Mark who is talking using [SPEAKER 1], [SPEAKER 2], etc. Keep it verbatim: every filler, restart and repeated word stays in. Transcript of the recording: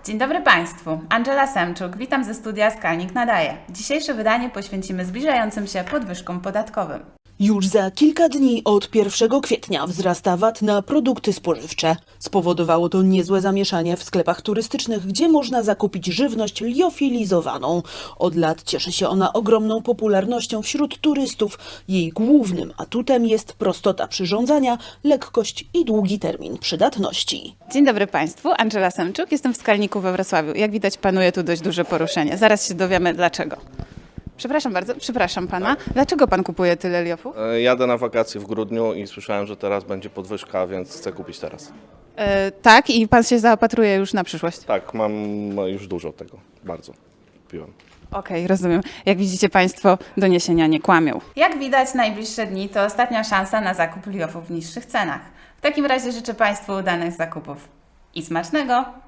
[SPEAKER 1] Dzień dobry Państwu, Angela Semczuk, witam ze studia Skalnik Nadaje. Dzisiejsze wydanie poświęcimy zbliżającym się podwyżkom podatkowym.
[SPEAKER 2] Już za kilka dni od pierwszego kwietnia wzrasta V A T na produkty spożywcze. Spowodowało to niezłe zamieszanie w sklepach turystycznych, gdzie można zakupić żywność liofilizowaną. Od lat cieszy się ona ogromną popularnością wśród turystów. Jej głównym atutem jest prostota przyrządzania, lekkość i długi termin przydatności.
[SPEAKER 1] Dzień dobry Państwu, Angela Semczuk, jestem w Skalniku we Wrocławiu. Jak widać panuje tu dość duże poruszenie. Zaraz się dowiemy dlaczego. Przepraszam bardzo, przepraszam Pana. Dlaczego Pan kupuje tyle liofów?
[SPEAKER 3] E, Jadę na wakacje w grudniu i słyszałem, że teraz będzie podwyżka, więc chcę kupić teraz.
[SPEAKER 1] E, tak, i Pan się zaopatruje już na przyszłość.
[SPEAKER 3] Tak, mam już dużo tego, bardzo kupiłem.
[SPEAKER 1] Okej, rozumiem. Jak widzicie Państwo, doniesienia nie kłamią. Jak widać, najbliższe dni to ostatnia szansa na zakup liofów w niższych cenach. W takim razie życzę Państwu udanych zakupów i smacznego!